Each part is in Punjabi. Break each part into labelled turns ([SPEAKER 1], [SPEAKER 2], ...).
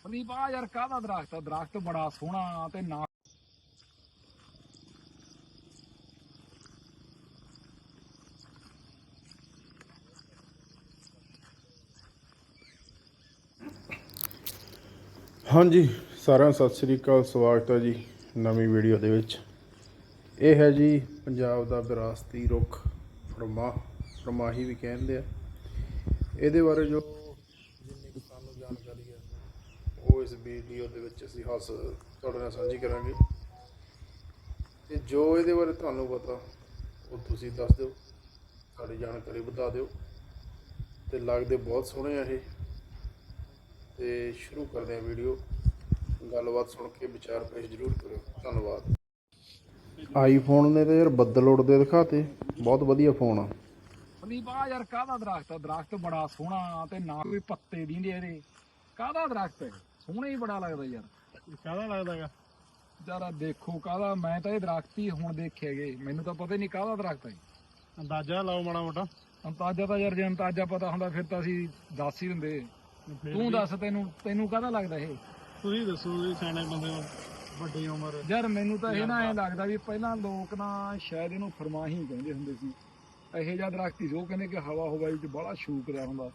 [SPEAKER 1] ਸੰਦੀਪ ਆ ਯਾਰ ਕਾਹਦਾ ਦਰਖਤ ਆ? ਦਰਖਤ ਬੜਾ ਸੋਹਣਾ ਤੇ ਨਾ
[SPEAKER 2] ਹਾਂਜੀ ਸਾਰਿਆਂ ਨੂੰ ਸਤਿ ਸ੍ਰੀ ਅਕਾਲ। ਸਵਾਗਤ ਹੈ ਜੀ ਨਵੀਂ ਵੀਡੀਓ ਦੇ ਵਿੱਚ। ਇਹ ਹੈ ਜੀ ਪੰਜਾਬ ਦਾ ਵਿਰਾਸਤੀ ਰੁੱਖ ਫਰਮਾਹੀ ਵੀ ਕਹਿੰਦੇ ਆ। ਇਹਦੇ ਬਾਰੇ ਜੋ ਜਿੰਨੀ ਕੁ ਸਾਨੂੰ ਜਾਣਕਾਰੀ ਹੈ ਉਹ ਇਸ ਵੀਡੀਓ ਦੇ ਵਿੱਚ ਅਸੀਂ ਤੁਹਾਡੇ ਨਾਲ ਸਾਂਝੀ ਕਰਾਂਗੇ, ਤੇ ਜੋ ਇਹਦੇ ਬਾਰੇ ਤੁਹਾਨੂੰ ਪਤਾ ਉਹ ਤੁਸੀਂ ਦੱਸ ਦਿਓ, ਸਾਡੀ ਜਾਣਕਾਰੀ ਵਧਾ ਦਿਓ। ਤੇ ਲੱਗਦੇ ਬਹੁਤ ਸੋਹਣੇ ਆ ਇਹ। ਤੇ ਸ਼ੁਰੂ ਕਰਦੇ ਹਾਂ ਵੀਡੀਓ। ਗੱਲਬਾਤ ਸੁਣ ਕੇ ਵਿਚਾਰ ਪੇਸ਼ ਜ਼ਰੂਰ ਕਰਿਓ। ਧੰਨਵਾਦ। ਆਈਫੋਨ ਨੇ ਤਾਂ ਯਾਰ ਬੱਦਲ ਉੱਡਦੇ ਦਿਖਾਤੇ, ਬਹੁਤ ਵਧੀਆ ਫੋਨ ਆ।
[SPEAKER 1] ਸੰਦੀਪ ਆ ਯਾਰ ਕਾਹਦਾ ਦਰਖਤ ਆ? ਦਰਖਤ ਬੜਾ ਸੋਹਣਾ ਤੇ ਨਾ ਕੋਈ ਪੱਤੇ ਦਿੰਦੇ ਇਹਦੇ। ਕਾਹਦਾ ਦਰਖਤ ਹੈ? ਸੋਹਣਾ ਹੀ ਬੜਾ ਲੱਗਦਾ ਯਾਰ।
[SPEAKER 2] ਕਾਹਦਾ ਲੱਗਦਾਗਾ
[SPEAKER 1] ਯਾਰ ਦੇਖੋ ਕਾਹਦਾ, ਮੈਂ ਤਾਂ ਇਹ ਦਰਖਤ ਹੀ ਹੁਣ ਦੇਖੇਗੇ, ਮੈਨੂੰ ਤਾਂ ਪਤਾ ਹੀ ਨਹੀਂ ਕਾਹਦਾ ਦਰਖਤ ਹੈ।
[SPEAKER 2] ਅੰਦਾਜ਼ਾ ਲਾਓ ਮਾੜਾ ਮੋਟਾ।
[SPEAKER 1] ਅੰਤਾਜਾ ਤਾਂ ਯਾਰ ਜੇ ਅੰਤਾਜਾ ਪਤਾ ਹੁੰਦਾ ਫਿਰ ਤਾਂ ਅਸੀਂ ਦੱਸ ਹੀ ਦਿੰਦੇ। ਤੂੰ ਦੱਸ, ਤੈਨੂੰ ਕਾਹਦਾ ਲੱਗਦਾ ਇਹ?
[SPEAKER 2] ਤੁਸੀਂ ਦੱਸੋ ਜੀ, ਸਿਆਣੇ ਬੰਦੇ ਹੋ, ਵੱਡੀ ਉਮਰ।
[SPEAKER 1] ਯਾਰ ਮੈਨੂੰ ਤਾਂ ਇਹ ਨਾ ਐਂ ਲੱਗਦਾ ਵੀ ਪਹਿਲਾਂ ਲੋਕ ਨਾ ਸ਼ਾਇਦ ਇਹਨੂੰ ਫਰਮਾਹੀ ਕਹਿੰਦੇ ਹੁੰਦੇ ਸੀ। ਇਹੋ ਜਿਹਾ ਦਰਖਤ ਹੀ ਜੋ ਕਹਿੰਦੇ ਕਿ ਹਵਾ ਹਵਾਈ ਚ ਬੜਾ ਸ਼ੂਕ ਰਿਹਾ ਹੁੰਦਾ।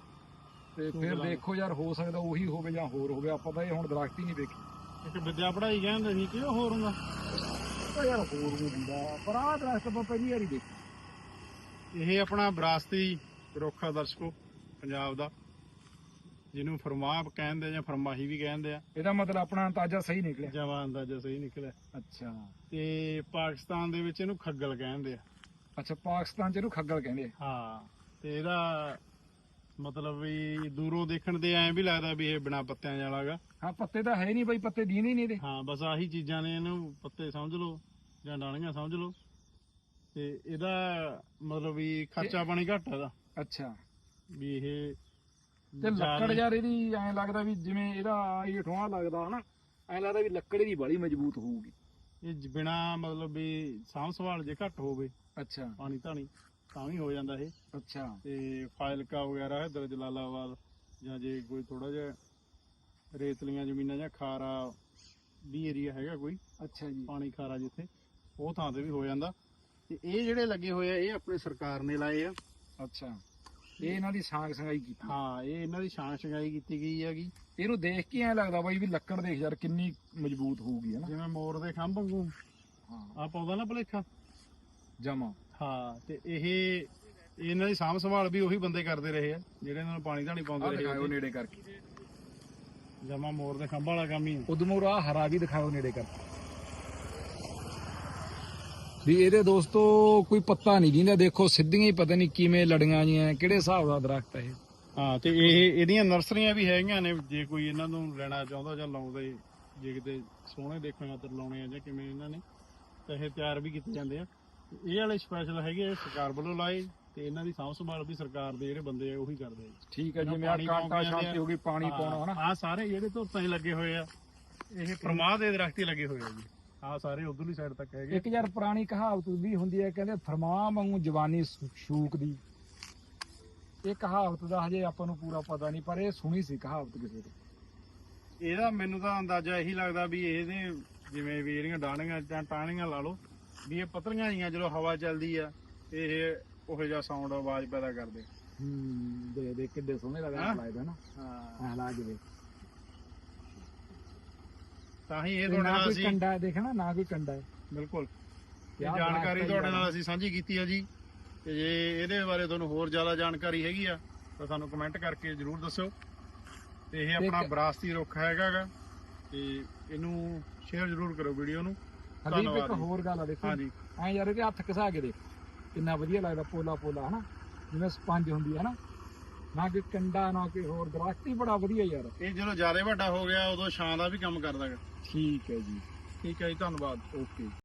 [SPEAKER 1] ਤੇ ਫਿਰ ਦੇਖੋ ਯਾਰ, ਹੋ ਸਕਦਾ ਉਹੀ ਹੋਵੇ ਜਾਂ ਹੋਰ ਹੋਵੇ, ਆਪਾਂ ਤਾਂ ਇਹ ਹੁਣ ਦਰਖਤ ਹੀ ਨਹੀਂ ਦੇਖੇ।
[SPEAKER 2] ਇੱਕ ਵਿਦਿਆ ਪੜ੍ਹਾਈ ਕਹਿੰਦੇ ਸੀ ਕਿ ਹੋਰ ਹੁੰਦਾ
[SPEAKER 1] ਤਾਂ ਯਾਰ ਹੋਰ ਵੀ ਹੁੰਦਾ, ਪਰ ਆਹ ਦਰਖਤ ਆਪਾਂ ਪਹਿਲੀ ਵਾਰੀ ਦੇਖੇ।
[SPEAKER 2] ਇਹ ਆਪਣਾ ਵਿਰਾਸਤੀ ਰੁੱਖ ਆ ਦਰਸ਼ਕੋ, ਪੰਜਾਬ ਦਾ, ਜਿਹਨੂੰ ਫਰਮਾਹ ਕਹਿੰਦੇ ਜਾਂ ਫਰਮਾਹੀ ਵੀ ਕਹਿੰਦੇ ਆ।
[SPEAKER 1] ਇਹਦਾ ਮਤਲਬ ਆਪਣਾ ਅੰਦਾਜ਼ਾ ਸਹੀ ਨਿਕਲਿਆ।
[SPEAKER 2] ਜਵਾਂ ਅੰਦਾਜ਼ਾ ਸਹੀ ਨਿਕਲਿਆ।
[SPEAKER 1] ਅੱਛਾ।
[SPEAKER 2] ਤੇ ਪਾਕਿਸਤਾਨ ਦੇ ਵਿੱਚ ਇਹਨੂੰ ਖੱਗਲ ਕਹਿੰਦੇ ਆ।
[SPEAKER 1] ਅੱਛਾ, ਪਾਕਿਸਤਾਨ ਚ ਇਹਨੂੰ ਖੱਗਲ ਕਹਿੰਦੇ ਆ।
[SPEAKER 2] ਹਾਂ, ਤੇ ਇਹਦਾ ਮਤਲਬ ਵੀ ਦੂਰੋਂ ਦੇਖਣ ਤੇ ਐਂ ਵੀ ਲੱਗਦਾ ਵੀ ਇਹ ਬਿਨਾਂ ਪੱਤਿਆਂ ਵਾਲਾ ਗਾ।
[SPEAKER 1] ਹਾਂ, ਪੱਤੇ ਤਾਂ ਹੈ ਨਹੀਂ ਬਈ, ਪੱਤੇ ਦੀਂਦੇ ਨਹੀਂ ਇਹਦੇ।
[SPEAKER 2] ਹਾਂ, ਬਸ ਆਹੀ ਚੀਜ਼ਾਂ ਨੇ, ਇਹਨੂੰ ਪੱਤੇ ਸਮਝ ਲਓ ਜਾਂ ਡਾਲੀਆਂ ਸਮਝ ਲਓ। ਤੇ ਇਹਦਾ ਮਤਲਬ ਵੀ ਖਰਚਾ ਪਾਣੀ ਘੱਟ ਇਹਦਾ।
[SPEAKER 1] ਅੱਛਾ।
[SPEAKER 2] ਵੀ ਇਹ
[SPEAKER 1] ਤੇ ਲੱਕੜ ਯਾਰ ਇਹਦੀ ਐਂ ਲੱਗਦਾ ਵੀ ਜਿਵੇਂ ਇਹਦਾ ਇਹ ਠੋਆ ਲੱਗਦਾ ਹਨਾ, ਐਂ ਲੱਗਦਾ ਵੀ ਲੱਕੜ ਇਹਦੀ ਬੜੀ ਮਜ਼ਬੂਤ ਹੋਊਗੀ।
[SPEAKER 2] ਇਹ ਬਿਨਾ ਮਤਲਬ ਵੀ ਸਾਂਭ ਸੰਭਾਲ ਜੇ ਘੱਟ ਹੋਵੇ,
[SPEAKER 1] ਅੱਛਾ,
[SPEAKER 2] ਪਾਣੀ ਧਾਣੀ ਤਾਂ ਵੀ ਹੋ ਜਾਂਦਾ ਇਹ।
[SPEAKER 1] ਅੱਛਾ।
[SPEAKER 2] ਤੇ ਫਾਜ਼ਿਲਕਾ ਵਗੈਰਾ ਇੱਧਰ ਜਲਾਲਾਬਾਦ ਜਾਂ ਜੇ ਕੋਈ ਥੋੜਾ ਜਿਹਾ ਰੇਤਲੀਆਂ ਜ਼ਮੀਨਾਂ ਜਾਂ ਖਾਰਾ ਵੀ ਏਰੀਆ ਹੈਗਾ ਕੋਈ,
[SPEAKER 1] ਅੱਛਾ ਜੀ, ਪਾਣੀ
[SPEAKER 2] ਪਾਣੀ ਖਾਰਾ ਜਿੱਥੇ, ਉਹ ਥਾਂ ਤੇ ਵੀ ਹੋ ਜਾਂਦਾ। ਤੇ ਇਹ ਜਿਹੜੇ ਲੱਗੇ ਹੋਏ ਆ ਇਹ ਆਪਣੀ ਸਰਕਾਰ ਨੇ ਲਾਏ ਆ।
[SPEAKER 1] ਅੱਛਾ, ਇਹ ਇਹਨਾਂ ਦੀ ਸਾਂਗ ਸੰਗਾਈ ਕੀਤੀ।
[SPEAKER 2] ਹਾਂ, ਇਹ ਇਹਨਾਂ ਦੀ ਛਾਂ ਛੰਗਾਈ ਕੀਤੀ ਗਈ ਹੈਗੀ।
[SPEAKER 1] ਇਹਨੂੰ ਦੇਖ ਕੇ ਐਂ ਲੱਗਦਾ ਬਾਈ ਵੀ ਲੱਕੜ ਦੇਖ ਯਾਰ ਕਿੰਨੀ ਮਜ਼ਬੂਤ ਹੋਊਗੀ ਹਨਾ,
[SPEAKER 2] ਜਿਵੇਂ ਮੋਰ ਦੇ ਖੰਭ ਵਾਂਗੂ
[SPEAKER 1] ਹਾਂ
[SPEAKER 2] ਆ ਪਾਉਂਦਾ ਨਾ ਭਲੇਖਾ।
[SPEAKER 1] ਜਮਾ।
[SPEAKER 2] ਹਾਂ, ਤੇ ਇਹ ਇਹਨਾਂ ਦੀ ਸਾਂਭ ਸੰਭਾਲ ਵੀ ਉਹੀ ਬੰਦੇ ਕਰਦੇ ਰਹੇ ਆ ਜਿਹੜੇ ਇਹਨਾਂ ਨੂੰ ਪਾਣੀ ਧਾਣੀ ਪਾਉਂਦੇ ਰਹੇ।
[SPEAKER 1] ਦਿਖਾਓ ਨੇੜੇ ਕਰਕੇ,
[SPEAKER 2] ਜਮਾ ਮੋਰ ਦੇ ਖੰਭ ਵਾਲਾ ਕੰਮ ਹੀ।
[SPEAKER 1] ਉਦਮੋਰ ਆ ਹਰਾ ਵੀ ਦਿਖਾਓ ਨੇੜੇ ਕਰਕੇ ਵੀ ਇਹਦੇ ਦੋਸਤੋ ਕੋਈ ਪੱਤਾ ਨਹੀਂ ਦਿੰਦਾ। ਦੇਖੋ ਸਿੱਧੀਆਂ ਹੀ ਪਤਾ ਨਹੀਂ ਕਿਵੇਂ ਲੜੀਆਂ ਜੀਆਂ, ਕਿਹੜੇ ਹਿਸਾਬ ਦਾ ਦਰਖਤ ਹੈ ਇਹ।
[SPEAKER 2] ਹਾਂ, ਤੇ ਇਹ ਇਹਦੀਆਂ ਨਰਸਰੀਆਂ ਵੀ ਹੈਗੀਆਂ ਨੇ, ਜੇ ਕੋਈ ਇਹਨਾਂ ਨੂੰ ਲੈਣਾ ਚਾਹੁੰਦਾ ਜਾਂ ਲਾਉਂਦੇ, ਜੇ ਕਿਤੇ ਸੋਹਣੇ ਦੇਖਣ ਖਾਤਰ ਲਾਉਣੇ ਆ ਜਾਂ ਕਿਵੇਂ ਇਹਨਾਂ ਨੇ, ਤਾਂ ਇਹ ਤਿਆਰ ਵੀ ਕੀਤੇ ਜਾਂਦੇ ਆ। ਇਹ ਵਾਲੇ ਸਪੈਸ਼ਲ ਹੈਗੇ ਆ ਸਰਕਾਰ ਵੱਲੋਂ ਲਾਏ, ਤੇ ਇਹਨਾਂ ਦੀ ਸਾਂਭ ਸੰਭਾਲ ਵੀ ਸਰਕਾਰ ਦੇ ਜਿਹੜੇ ਬੰਦੇ ਆ ਉਹੀ ਕਰਦੇ ਆ।
[SPEAKER 1] ਠੀਕ ਹੈ, ਜਿਵੇਂ ਆ ਕਾਂਟਾ ਸ਼ਾਂਤੀ ਹੋ ਗਈ, ਪਾਣੀ ਪਾਉਣਾ ਹਨਾ।
[SPEAKER 2] ਆ ਸਾਰੇ ਜਿਹੜੇ ਧੁੱਪਾਂ 'ਚ ਲੱਗੇ ਹੋਏ ਆ ਇਹ ਫਰਮਾਹ ਦੇ ਦਰਖਤ ਹੀ ਲੱਗੇ ਹੋਏ ਆ ਜੀ। ਆ ਸਾਰੇ ਉਧਰਲੀ ਸਾਈਡ ਤੱਕ ਹੈਗੇ।
[SPEAKER 1] ਇੱਕ ਯਾਰ ਪੁਰਾਣੀ ਕਹਾਵਤ ਵੀ ਹੁੰਦੀ ਹੈ, ਕਹਿੰਦੇ ਫਰਮਾਂ ਵਾਂਗੂ ਜਵਾਨੀ ਸ਼ੂਕ ਦੀ। ਇਹ ਕਹਾਵਤ ਦਾ ਹਜੇ ਆਪਾਂ ਨੂੰ ਪੂਰਾ ਪਤਾ ਨਹੀਂ, ਪਰ ਇਹ ਸੁਣੀ ਸੀ ਕਹਾਵਤ ਕਿਸੇ ਤੋਂ।
[SPEAKER 2] ਇਹਦਾ ਮੈਨੂੰ ਤਾਂ ਅੰਦਾਜ਼ਾ ਇਹੀ ਲੱਗਦਾ ਵੀ ਇਹਦੇ ਜਿਵੇਂ ਵੀ ਇਹਦੀਆਂ ਡਾਣੀਆਂ ਜਾਂ ਟਾਹਣੀਆਂ ਲਾ ਲਓ, ਵੀ ਇਹ ਪਤਲੀਆਂ ਜੀਆਂ ਜਦੋਂ ਹਵਾ ਚੱਲਦੀ ਆ ਇਹ ਉਹੋ ਜਿਹਾ ਸਾਊਂਡ ਆਵਾਜ਼ ਪੈਦਾ ਕਰਦੇ।
[SPEAKER 1] ਦੇ ਕਿੱਡੇ ਸੋਹਣੇ ਲੱਗਦਾ ਨਾ। ਹਾਂ, ਲਾ ਕੇ
[SPEAKER 2] ਤਾਂ ਹੀ ਇਹ ਤੁਹਾਡੇ ਨਾਲ ਅਸੀਂ
[SPEAKER 1] ਕੰਡਾ ਦੇਖਣਾ, ਨਾ ਕੋਈ ਕੰਡਾ ਹੈ।
[SPEAKER 2] ਬਿਲਕੁਲ ਇਹ ਜਾਣਕਾਰੀ ਤੁਹਾਡੇ ਨਾਲ ਅਸੀਂ ਸਾਂਝੀ ਕੀਤੀ ਆ ਜੀ। ਤੇ ਜੇ ਇਹਦੇ ਬਾਰੇ ਤੁਹਾਨੂੰ ਹੋਰ ਜ਼ਿਆਦਾ ਜਾਣਕਾਰੀ ਹੈਗੀ ਆ ਤਾਂ ਸਾਨੂੰ ਕਮੈਂਟ ਕਰਕੇ ਜ਼ਰੂਰ ਦੱਸਿਓ। ਤੇ ਇਹ ਆਪਣਾ ਵਿਰਾਸਤੀ ਰੁੱਖ ਹੈਗਾ ਗਾ, ਤੇ ਇਹਨੂੰ ਸ਼ੇਅਰ ਜ਼ਰੂਰ ਕਰੋ ਵੀਡੀਓ ਨੂੰ।
[SPEAKER 1] ਹਰੀਬ ਇੱਕ ਹੋਰ ਗੱਲ ਆ, ਦੇਖੋ
[SPEAKER 2] ਹਾਂਜੀ,
[SPEAKER 1] ਐਂ ਯਾਰ ਇਹਦੇ ਹੱਥ ਘਸਾ ਕੇ ਦੇਖ ਕਿੰਨਾ ਵਧੀਆ ਲੱਗਦਾ, ਪੋਲਾ ਪੋਲਾ ਹਨਾ, ਜਿਵੇਂ ਸਪੰਜ ਹੁੰਦੀ ਹੈ ਨਾ, ਨਾ ਕੋਈ ਕੰਡਾ ਨਾ ਕੋਈ ਹੋਰ। ਦਰਖਤ ਹੀ ਬੜਾ ਵਧੀਆ ਯਾਰ।
[SPEAKER 2] ਇਹ ਜਦੋਂ ਜ਼ਿਆਦਾ ਵੱਡਾ ਹੋ ਗਿਆ ਉਦੋਂ ਛਾਂ ਦਾ ਵੀ ਕੰਮ ਕਰਦਾ ਗਾ।
[SPEAKER 1] ਠੀਕ ਹੈ ਜੀ,
[SPEAKER 2] ਠੀਕ ਹੈ ਜੀ, ਧੰਨਵਾਦ।
[SPEAKER 1] ਓਕੇ।